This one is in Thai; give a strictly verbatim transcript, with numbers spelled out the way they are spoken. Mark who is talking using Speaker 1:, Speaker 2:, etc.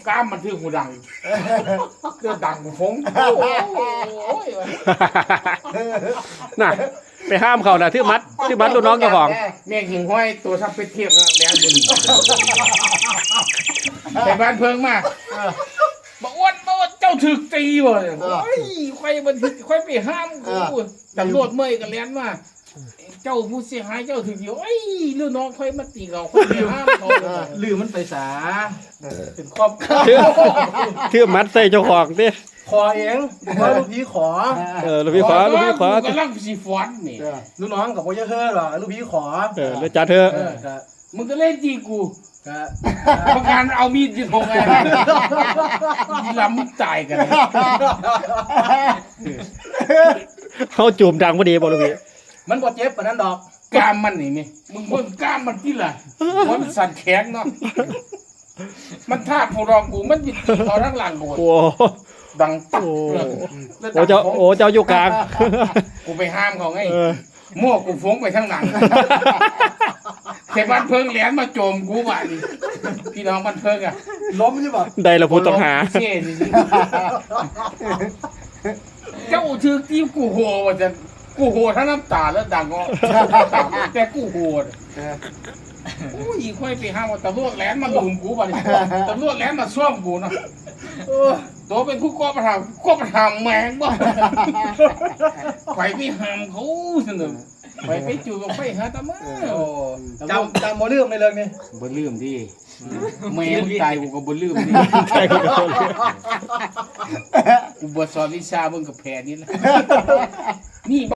Speaker 1: กล้ามมันที่หูดังเรื่องดังฟงโอ้ย
Speaker 2: น่ะไปห้ามเขาน่ะที่มัดที่มัดลูกน้องเจ้าของ
Speaker 1: เมียหิงห้อยตัวทับไปเทียบกันแล้วบุญแต่บ้านเพิงมาบอกอ้วนบอกว่าเจ้าถึกตีบ่เลยโอ้ยค่อยมันค่อยไปห้ามกูตำรวจเมื่อยกันแล้วมาเจ้าผู้เสียหายเจ้าถึงอยู่ไอ้ลูกน้องค่อยมาตีเขาค่อยไปห้ามเขา
Speaker 3: ลืมมันไปสาเป็นครอบครัว
Speaker 2: ที่มัดใส่เจ้าของดิ
Speaker 3: ขอเองว่าลูกพี่ขอ
Speaker 2: เออลูกพี่ขอลูกพี่ขอ
Speaker 1: กำลังสีฟอนนี่
Speaker 3: ลูกน้องกับพ่อเยอะเฮ้อหรอลูกพี่ขอ
Speaker 2: เออแล้วจัดเถอะ
Speaker 3: เออก็
Speaker 1: มึงก็เล่นจีกู
Speaker 3: ก็
Speaker 1: ประการเอามีดยิงหงไงลำมึงตายกัน
Speaker 2: เขาจูบดังพอดีบ่ลูกพี่
Speaker 3: มันบ่เจ็บปานนั้นดอก
Speaker 1: กล้ามมันนี่มั้ยมึงเบิ่งกล้ามมันที่ล่ะมันสั่นแข็งเนาะมันท่าผู้รองกูมันบิดตีเขาทั้งหลังกู
Speaker 2: โอ้
Speaker 1: ดังตัก
Speaker 2: โอ้
Speaker 1: เลย
Speaker 2: โอ้เจ้าโอ้เจ้าอยู่กลาง
Speaker 1: กูไปห้ามเขาไง
Speaker 2: เออ
Speaker 1: มั่วกูฟงไปทั้งหลังแต่บ้านเพิงแหลมมาโจมกูว่ะนี่พี่น้องบ้านเพิงอ่ะ
Speaker 3: ล้มใช่ป่ะ
Speaker 2: ได้ละผู้ต้องหา
Speaker 1: เช่สิเจ้าชื่อที่กูโหว่าจะกูโหทั้งน้ำตาแล้วดังก็แต่กูโหโอ้ยค่อยไปห้ามว่าตำรวจแหลมมาลุมกูป่ะนี่ตำรวจแหลมมาซ่อมกูเนาะตัวเป็นผู้ก่อปัญหาก่อปัญหาแมงบ่ไปไปห้ามเขาสนุกไปไปจูบไปหาตำรวจ
Speaker 3: โอ้จำจำบ่ลืมในเรื่องนี้
Speaker 1: บ่ลืมดิแม่มึงตายกูก็บ่ลืมดิ
Speaker 2: ใช่ก็โดน
Speaker 1: กูบ่สอนวิชามึงกับแผนนี่แหละนี่